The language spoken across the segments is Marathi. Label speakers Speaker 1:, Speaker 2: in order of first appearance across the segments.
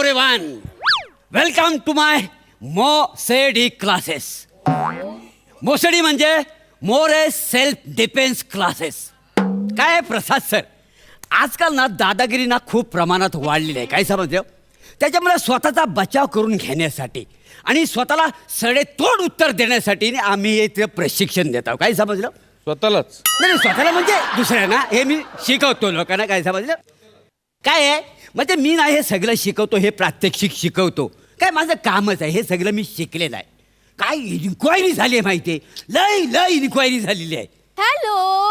Speaker 1: एव्हरीवन, वेलकम टू माय मोसेडी क्लासेस. मोसेडी म्हणजे मोरे सेल्फ डिफेन्स क्लासेस. काय प्रसाद सर, आजकाल ना दादागिरी ना खूप प्रमाणात वाढलेली आहे. काय समजलं? त्याच्यामुळे स्वतःचा बचाव करून घेण्यासाठी आणि स्वतःला सडेतोड उत्तर देण्यासाठी आम्ही इथे प्रशिक्षण देत आहोत. काय समजलं?
Speaker 2: स्वतःलाच
Speaker 1: नाही, स्वतःला म्हणजे दुसऱ्यांना हे मी शिकवतो लोकांना. काय समजलं? काय आहे म्हणजे मी नाही हे सगळं शिकवतो, हे प्रात्यक्षिक शिकवतो. काय माझं कामच आहे, हे सगळं मी शिकलेलं आहे. काय इन्क्वायरी झाली आहे माहिती आहे, लय लय इन्क्वायरी झालेली आहे.
Speaker 3: हॅलो,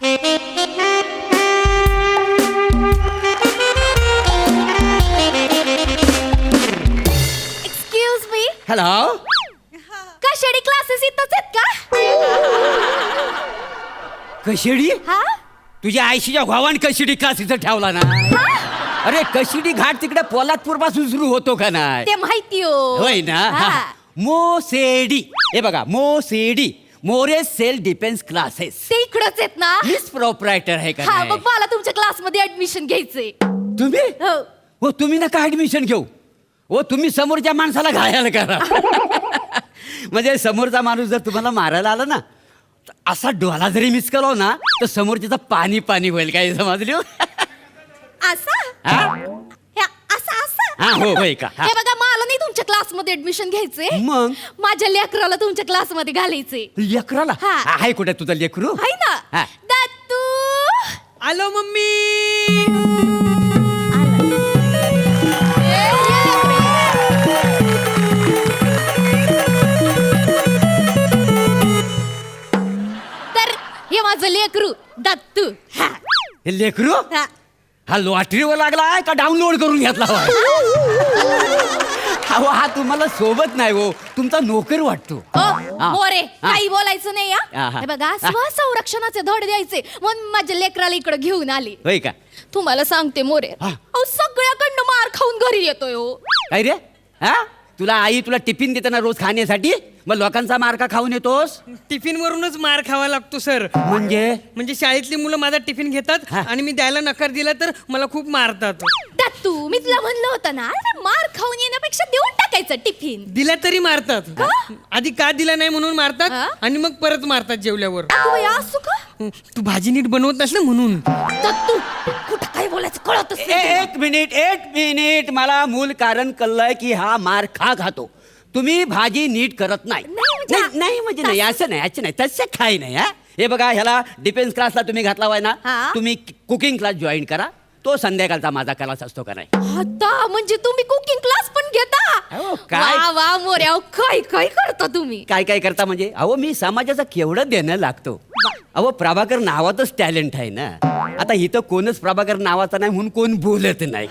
Speaker 3: एक्सक्यूज मी,
Speaker 1: हॅलो,
Speaker 3: कशाडी क्लासेस इथंच आहेत का?
Speaker 1: कशिडी?
Speaker 3: हा
Speaker 1: तुझ्या आयशीच्या भावान कशिडी क्लास इथं ठेवला ना. अरे कशिडी घाट तिकडे पोलादपूर पासून सुरू होतो का नाही?
Speaker 3: ते माहिती हो.
Speaker 1: होय ना. मोसेडी, हे बघा, मोसेडी मोरे सेल्फ डिफेन्स क्लासेस.
Speaker 3: ते इकडंच आहेत ना.
Speaker 1: मीच प्रोप्रायटर आहे का
Speaker 3: हा,
Speaker 1: नाही?
Speaker 3: मग मला तुमच्या क्लासमध्ये ऍडमिशन घ्यायचंय.
Speaker 1: तुम्ही
Speaker 3: हो.
Speaker 1: हो, तुम्ही नका ऍडमिशन घेऊ. हो, तुम्ही समोरच्या माणसाला घायल करा. म्हणजे समोरचा माणूस जर तुम्हाला मारायला आला ना, तर असा डोला जरी मिस केला ना, तर समोरच्याचं पाणी पाणी होईल. काय समजली?
Speaker 3: असं
Speaker 1: हा?
Speaker 3: असं
Speaker 1: हा, हो, होय का? हा.
Speaker 3: हे बघा, मला नाही तुमच्या क्लासमध्ये ऍडमिशन घ्यायचंय.
Speaker 1: मग?
Speaker 3: माझ्या लेकराला तुमच्या क्लासमध्ये घालायचंय.
Speaker 1: लेकराला?
Speaker 3: हा.
Speaker 1: आहे कुठे तुझं लेकरू?
Speaker 3: आहे ना.
Speaker 1: हा.
Speaker 3: दत्तू,
Speaker 4: आलो मम्मी.
Speaker 3: तर हे माझं लेकरू दत्तू. हा.
Speaker 1: हे लेकरू
Speaker 3: हा.
Speaker 1: हा लॉटरीवर लागलाय का डाउनलोड करून घेतला? अहो, हा तुम्हाला सोबत नाही हो, तुमचा नोकर वाटतो.
Speaker 3: हो,
Speaker 1: हा.
Speaker 3: मोरे,
Speaker 1: हा.
Speaker 3: काही बोलायचं नाही.
Speaker 1: हा, हा.
Speaker 3: हे बघा, स्वसंरक्षणाचे धड द्यायचे म्हणून माझ्या लेकराला इकडे घेऊन आली.
Speaker 1: होय का?
Speaker 3: तुम्हाला सांगते मोरे,
Speaker 1: हा.
Speaker 3: अहो सगळ्याकडनं मार खाऊन घरी येतोय हो.
Speaker 1: काय रे? हा, तुला आई तुला टिफिन देताना रोज खाण्यासाठी, मग लोकांचा मार का खाऊन येतोस?
Speaker 4: टिफिन वरूनच मार खावा लागतो सर.
Speaker 1: म्हणजे
Speaker 4: शाळेतली मुलं माझा टिफिन घेतात
Speaker 1: हा.
Speaker 4: आणि मी द्यायला नकार दिला तर मला खूप मारतात.
Speaker 3: दत्तू, मी तुला म्हणलं होतं ना, अरे मार खाऊन येण्यापेक्षा देऊन टाकायचं टिफिन.
Speaker 4: दिला तरी मारतात. आधी का दिला नाही म्हणून मारतात
Speaker 3: हा?
Speaker 4: आणि मग परत मारतात जेवल्यावर.
Speaker 3: अगं बाई, असं का?
Speaker 4: तू भाजी नीट बनवत नस ना म्हणून.
Speaker 3: दत्तू, कुठं काय बोलायचं कळतच नाही.
Speaker 1: एक मिनिट, मला मूल कारण कळलंय की हा मार का खातो. तुम्ही भाजी नीट करत नाही. नाही म्हणजे नाही, असं नाही, तसं काही नाही. हा, हे बघा, ह्याला डिफेन्स क्लासला तुम्ही घातला होय ना,
Speaker 3: हा.
Speaker 1: तुम्ही कुकिंग क्लास जॉईन करा. तो संध्याकाळचा माझा क्लास असतो का नाही?
Speaker 3: आता म्हणजे तुम्ही कुकिंग क्लास पण घेता?
Speaker 1: अहो, काय?
Speaker 3: वा वा मोरे, अहो काय काय करता तुम्ही?
Speaker 1: काय काय करता म्हणजे? अहो, मी समाजाचं केवढं देणं लागतो. अहो, प्रभाकर नावातच टॅलेंट आहे ना. आता इथं कोणच प्रभाकर नावाचा नाही म्हणून कोण बोलत नाही.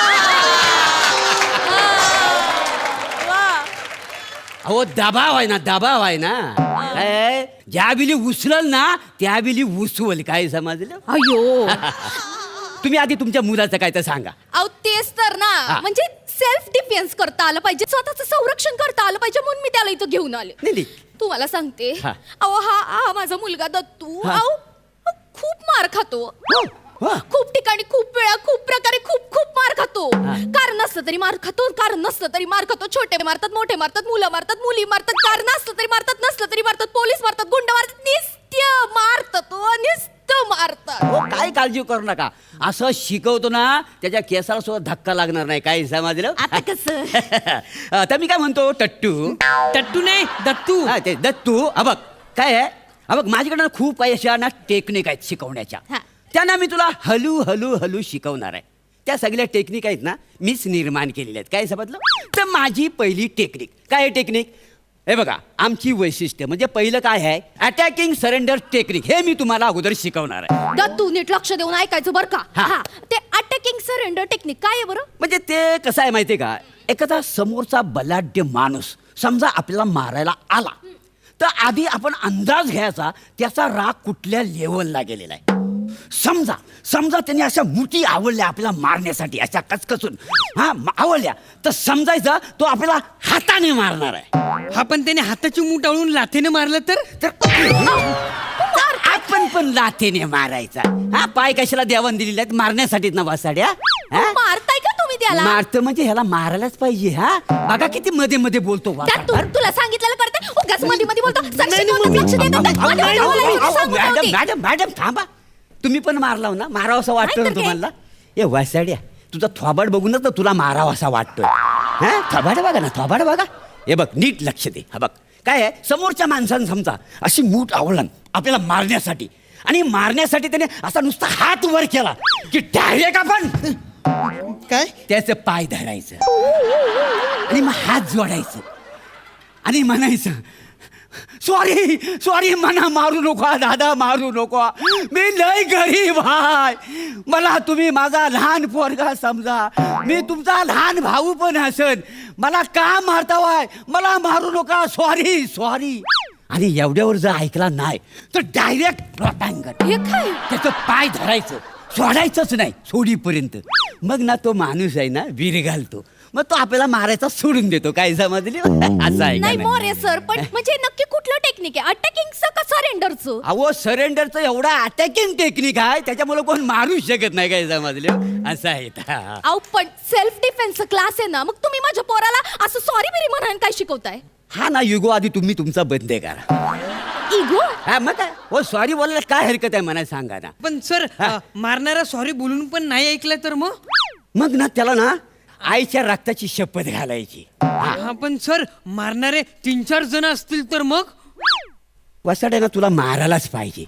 Speaker 1: अहो, दबाव आहे ना. काय? ज्या बिली उचलल ना त्या बिली उसवल. काय समजलं?
Speaker 3: अयो.
Speaker 1: तुम्ही आधी तुमच्या मुलाचं काय तर सांगा.
Speaker 3: अहो तेच तर ना,
Speaker 1: हा.
Speaker 3: म्हणजे सेल्फ डिफेन्स करता आलं पाहिजे, स्वतःचं संरक्षण करता आलं पाहिजे म्हणून मी त्याला इथं घेऊन आले.
Speaker 1: नाही.
Speaker 3: तुम्हाला सांगते,
Speaker 1: हा.
Speaker 3: अहो हा माझा मुलगा दत्तू,
Speaker 1: हा.
Speaker 3: अहो खूप मार खातो.
Speaker 1: हा.
Speaker 3: खूप ठिकाणी, खूप वेळा, खूप प्रकारे खूप मार खातो.
Speaker 1: हा.
Speaker 3: कारण नसलं तरी मार खातो, कारण नसलं तरी मार खातो. छोटे मारतात, मोठे मारतात, मुलं मारतात, मुली मारतात, कारण असलं तरी मारतात, नसलं तरी मारतात, पोलीस मारतात, गुंड मारतात, निस्त्य मारतात, नुसतं मारतात.
Speaker 1: हो, काय काळजी करू नका. असं शिकवतो ना, त्याच्या केसाला सुद्धा धक्का लागणार नाही. काय समजलं?
Speaker 3: आता कसं?
Speaker 1: आता मी काय म्हणतो, टट्टू.
Speaker 4: टट्टू नाही, दत्तू.
Speaker 1: हा, ते दत्तू. बघ काय आहे, बघ माझ्याकडे ना खूप काही अशा ना टेक्निक आहेत शिकवण्याच्या.
Speaker 3: हा.
Speaker 1: त्यांना मी तुला हळू शिकवणार आहे. त्या सगळ्या टेक्निक आहेत ना, मीच निर्माण केलेल्या आहेत. काय समजलं? तर माझी पहिली टेक्निक काय आहे? टेक्निक हे बघा, आमची वैशिष्ट्य म्हणजे पहिलं काय आहे, अटॅकिंग सरेंडर टेक्निक. हे मी तुम्हाला अगोदर शिकवणार आहे.
Speaker 3: दत्तू, नीट लक्ष देऊन ऐकायचं बरं का.
Speaker 1: हा.
Speaker 3: हा, ते अटॅकिंग सरेंडर टेक्निक काय आहे बरं?
Speaker 1: म्हणजे ते कसं आहे माहितीये का, एखादा समोरचा बलाढ्य माणूस समजा आपल्याला मारायला आला, तर आधी आपण अंदाज घ्यायचा त्याचा राग कुठल्या लेवलला गेलेला आहे. समजा त्यांनी अशा मुठी आवडल्या आपल्याला मारण्यासाठी, अशा कचकचून आवडल्या, तर समजायचं तो आपल्याला हाताने मारणार आहे.
Speaker 4: हा, पण त्याने हाताची मूठ आवळून लाथेने मारलं तर
Speaker 1: आपण पण लाथेने मारायचा. हा, पाय कशाला देवान दिलेले आहेत? मारण्यासाठीच ना वासाड्या.
Speaker 3: मारताय का तुम्ही त्याला
Speaker 1: मारतं म्हणजे ह्याला मारायलाच पाहिजे. हा बघा किती मध्ये मध्ये बोलतो
Speaker 3: त्यात तुला सांगितलेलं करते उगाच मध्ये मध्ये बोलतो
Speaker 1: मॅडम मॅडम थांबा. तुम्ही पण मारलाव ना, मारावं असं वाटतं ना
Speaker 3: नाही तर काय?
Speaker 1: तुम्हाला? ए वासाड्या, तुझा थोबाड बघूनच ना तुला मारावा असा वाटतोय. हा थोबाड बघा ना, थोबाड बघा. हे बघ नीट लक्ष दे. हा बघ काय आहे, समोरच्या माणसानं समजा अशी मूठ आवडलं आपल्याला मारण्यासाठी, आणि मारण्यासाठी त्याने असा नुसता हात वर केला की डायरेक्ट आपण
Speaker 4: काय
Speaker 1: त्याचं पाय धरायचं आणि मग हात जोडायचं आणि म्हणायचं, सॉरी सॉरी, मना मारू नको दादा, मारू नको, मी लय गरीब हाय, मला तुम्ही माझा लहान पोरगा समजा, मी तुमचा लहान भाऊ पण असन, मला का मारतावाय, मला मारू नका, सॉरी सॉरी. आणि एवढ्यावर जर ऐकला नाही तर डायरेक्ट लोटांगण
Speaker 3: हे काय
Speaker 1: त्याचं पाय धरायचं, सोडायचंच नाही सोडीपर्यंत. मग ना तो माणूस आहे ना वीर घालतो, मग तो आपल्याला मारायचा सोडून देतो. काय समजली? असं आहे का
Speaker 3: नाही
Speaker 1: नाही?
Speaker 3: मोरे सर, पण म्हणजे नक्की कुठलं टेक्निक आहे, अटॅकिंगचं का सरेंडरचं?
Speaker 1: अहो सरेंडरचं एवढा अटॅकिंग टेक्निक आहे, त्याच्यामुळे कोण मारू शकत नाही. काय समजले? असं आहे.
Speaker 3: अहो पण सेल्फ डिफेन्स क्लास आहे ना, मग तुम्ही माझ्या पोराला असं सॉरी बिरी म्हणायला काय शिकवताय?
Speaker 1: हा ना युगो, आधी तुम्ही तुमचा बंद करा.
Speaker 3: इगो?
Speaker 1: हा मग काय हो, सॉरी बोलायला काय हरकत आहे मला सांगा ना.
Speaker 4: पण सर मारणारा सॉरी बोलून पण नाही ऐकलं तर
Speaker 1: मग ना त्याला ना आईच्या रक्ताची शपथ घालायची.
Speaker 4: हा पण सर मारणारे 3-4 जण असतील तर मग
Speaker 1: वसाडे ना तुला मारायलाच पाहिजे.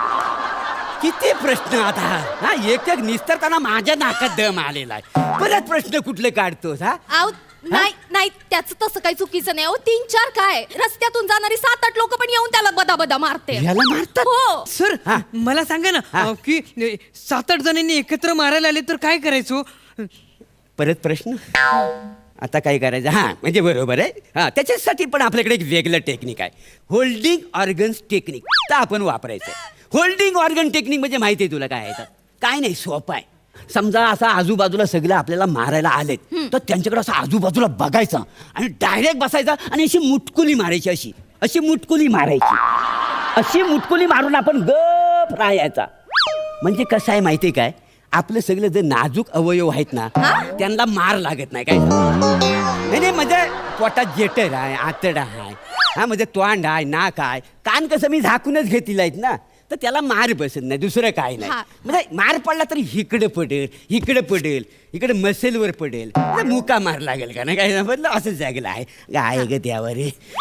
Speaker 1: किती प्रश्न आता. हा एक एक निस्तरताना माझ्या नाकात दम आलेला आहे. परत प्रश्न कुठले काढतोस? हा
Speaker 3: आहो नाही नाही, त्याचं तसं काही चुकीचं नाही. अहो 3-4 काय, रस्त्यातून जाणारी 7-8 लोक पण येऊन त्याला बदा बदा मारते.
Speaker 1: याला मारतात?
Speaker 3: हो.
Speaker 4: सर
Speaker 1: हा.
Speaker 4: मला सांगा ना
Speaker 1: हा.
Speaker 4: की 7-8 जणांनी एकत्र मारायला आले तर काय करायचो?
Speaker 1: परत प्रश्न. आता काय करायचं? हा म्हणजे बरोबर आहे. हा त्याच्यासाठी पण आपल्याकडे एक वेगळं टेक्निक आहे, होल्डिंग ऑर्गन्स टेक्निक. तर आपण वापरायचं. होल्डिंग ऑर्गन टेक्निक म्हणजे माहिती आहे तुला काय आहे? तर काय नाही, सोपं आहे. समजा असा आजूबाजूला सगळं आपल्याला मारायला आलेत, तर त्यांच्याकडे असं आजूबाजूला बघायचं आणि डायरेक्ट बसायचा आणि अशी मुटकुली मारायची. अशी अशी मुटकुली मारायची. अशी मुटकुली मारून आपण गप राहायचा. म्हणजे कसं आहे माहिती आहे काय, आपलं सगळं जे नाजूक अवयव आहेत ना त्यांना मार लागत नाही. काय नाही नाही, म्हणजे पोटात जेटर आहे, आतडा आहे, हा म्हणजे तोंड आहे, नाक आहे, कान कसं मी झाकूनच घेतलेलं आहेत ना, तर त्याला मार बसत नाही, दुसरं काय नाही. म्हणजे मार पडला तरी इकडे पडेल, इकडे पडेल, इकडे मसेलवर पडेल, मुका मार लागेल का नाही? काय समजलं? असं जागलं आहे. गाय ग त्यावर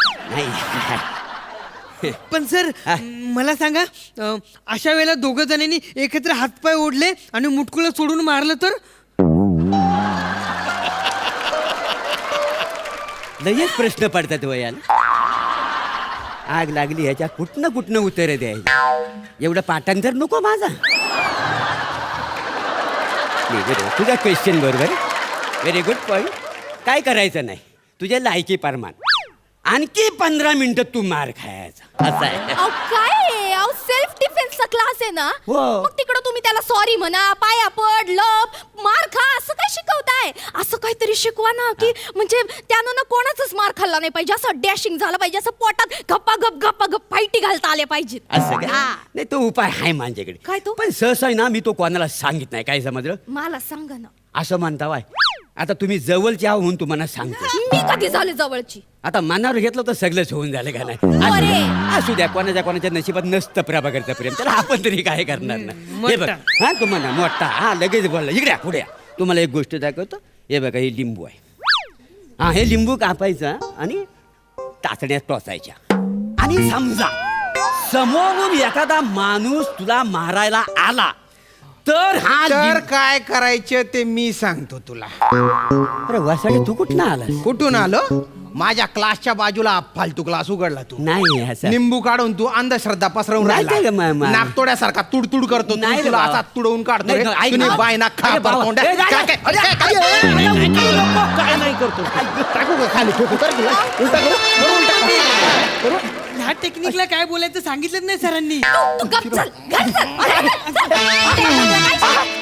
Speaker 1: नाही.
Speaker 4: पण सर मला सांगा अशा वेळेला 2 जणांनी एकत्र हातपाय ओढले आणि मुटकुलं सोडून मारलं तर?
Speaker 1: लगेच प्रश्न पडतात वयाला. आग लागली ह्याच्या कुठनं कुठनं उत्तर द्यायची. एवढं पाठांतर नको माझा. तुझा क्वेश्चन बरोबर, व्हेरी गुड पॉईंट. काय करायचं नाही, तुझ्या लायकी प्रमाण आणखी 15 मिनिटं तू मार खायचा. असं आहे.
Speaker 3: अहो काय, अहो सेल्फ डिफेन्सचा क्लास आहे ना,
Speaker 1: हो.
Speaker 3: मग तिकडं तुम्ही त्याला सॉरी म्हणा, पाया पड, लप, मार खा, असं काय शिकवताय? असं काहीतरी शिकवा ना, की म्हणजे त्यानं ना कोणाचाच मार खाल्ला नाही पाहिजे, असं डॅशिंग झालं पाहिजे, असं पोटात गप्पा गप फाईटी घालता आले पाहिजेत.
Speaker 1: असं काय?
Speaker 3: हा.
Speaker 1: नाही तो उपाय आहे माझ्याकडे.
Speaker 3: काय तो?
Speaker 1: पण सहसा आहे ना, मी तो कोणाला सांगित नाही. काय समजलं?
Speaker 3: मला सांगा ना.
Speaker 1: असं म्हणता वाय. आता तुम्ही जवळचे आहो म्हणून तुम्हाला सांगतो.
Speaker 3: मी कधी झाले जवळची?
Speaker 1: आता मनावर घेतलं तर सगळंच होऊन झालं का नाही?
Speaker 3: अरे.
Speaker 1: असू द्या, कोणाच्या नशिबात नसतं प्रभाकरचं प्रेम, त्याला आपण तरी काय करणार ना. हे बघ, हा तुम्हाला मोठा, हा लगेच बोलला, इकडे या, पुढे या. तुम्हाला एक गोष्ट दाखवतो. हे बघा, हे लिंबू आहे. हा हे लिंबू कापायचं आणि टाचण्यात टोचायच्या. आणि समजा समोरून एखादा माणूस तुला मारायला आला तर हा
Speaker 2: तर काय करायचं ते मी सांगतो तुला.
Speaker 1: अरे वासाडे, तू कुठं आलास?
Speaker 2: कुठून आलो? माझ्या क्लासच्या बाजूला फालतू क्लास उघडला तू.
Speaker 1: नाही असं
Speaker 2: निंबू काढून तू अंधश्रद्धा पसरवून
Speaker 1: नाही काय ग,
Speaker 2: राहिला. नाकतोड्यासारखा तुडतुड करतो तू.
Speaker 1: नाही रे
Speaker 2: तुला
Speaker 1: बाबा.
Speaker 2: असा तुडवून काढतो रे.
Speaker 1: नाही, ऐक
Speaker 2: तुम्ही
Speaker 1: ना.
Speaker 2: बायना खा
Speaker 1: अरे बाबा.
Speaker 2: तोंड्या.
Speaker 1: ए, नाही,
Speaker 2: काय- काय-
Speaker 1: अरे,
Speaker 2: काय- काय नाही करतो. टाकू का खाली ठोकू कर तुला? उलटा करू? करू उलटा करू?
Speaker 4: ह्या टेक्निकला काय बोलायचं सांगितलं नाही सरांनी.
Speaker 3: तू गप चल, घर चल. अरे, चल.